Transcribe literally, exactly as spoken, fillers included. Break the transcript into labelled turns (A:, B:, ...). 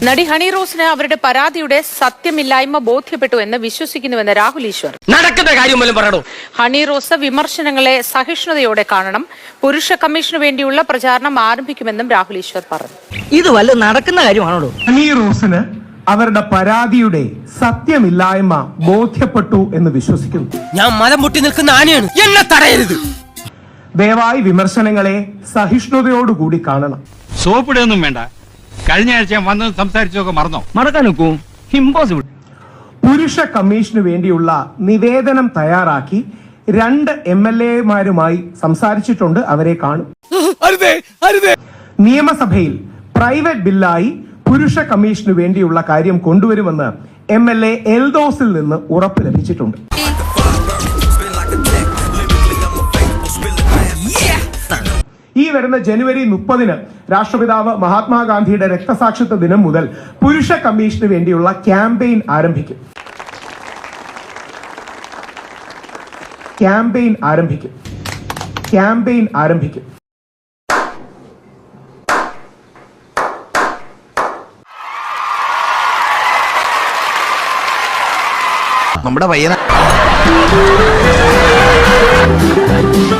A: നടി ഹണി റോസിന് അവരുടെ പരാതിയുടെ സത്യമില്ലായ്മ ബോധ്യപ്പെട്ടു എന്ന് വിശ്വസിക്കുന്നുവെന്ന് രാഹുൽ ഈശ്വർ.
B: നടക്കുന്ന കാര്യം പോലും പറയണോ.
A: ഹണി റോസ് വിമർശനങ്ങളെ സഹിഷ്ണുതയോടെ കാണണം. പുരുഷ കമ്മീഷനു വേണ്ടിയുള്ള പ്രചാരണം ആരംഭിക്കുമെന്നും രാഹുൽ ഈശ്വർ പറഞ്ഞു.
B: ഇത് വല്ല നടക്കുന്ന കാര്യമാണോ.
C: ഹണി റോസിന് അവരുടെ പരാതിയുടെ സത്യമില്ലായ്മ ബോധ്യപ്പെട്ടു എന്ന് വിശ്വസിക്കുന്നു.
B: ഞാൻ മലം പൊട്ടി നിൽക്കുന്ന ആനയാണ്, എന്നെ തടയരുത്.
C: ദയവായി വിമർശനങ്ങളെ സഹിഷ്ണുതയോടുകൂടി കാണണം.
D: സോപ്പിടൊന്നും വേണ്ട. കഴിഞ്ഞ ആഴ്ച വന്ന് സംസാരിച്ചൊക്കെ മറന്നോ.
B: മറക്കാൻ നോക്കൂ, ഇമ്പോസിബിൾ.
C: പുരുഷ കമ്മീഷന് വേണ്ടിയുള്ള നിവേദനം തയ്യാറാക്കി രണ്ട് എം എൽ എമാരുമായി സംസാരിച്ചിട്ടുണ്ട്. അവരെ കാണും. നിയമസഭയിൽ പ്രൈവറ്റ് ബില്ലായി പുരുഷ കമ്മീഷന് വേണ്ടിയുള്ള കാര്യം കൊണ്ടുവരുമെന്ന് എം എൽ എ എൽദോസിൽ നിന്ന് ഉറപ്പ് ലഭിച്ചിട്ടുണ്ട്. ഈ വരുന്ന ജനുവരി മുപ്പതിന് രാഷ്ട്രപിതാവ് മഹാത്മാഗാന്ധിയുടെ രക്തസാക്ഷിത്വ ദിനം മുതൽ പുരുഷ കമ്മീഷന് വേണ്ടിയുള്ള ക്യാമ്പയിൻ ആരംഭിക്കും. ക്യാമ്പയിൻ ആരംഭിക്കും. ക്യാമ്പയിൻ ആരംഭിക്കും.
E: നമ്മുടെ പയ്യന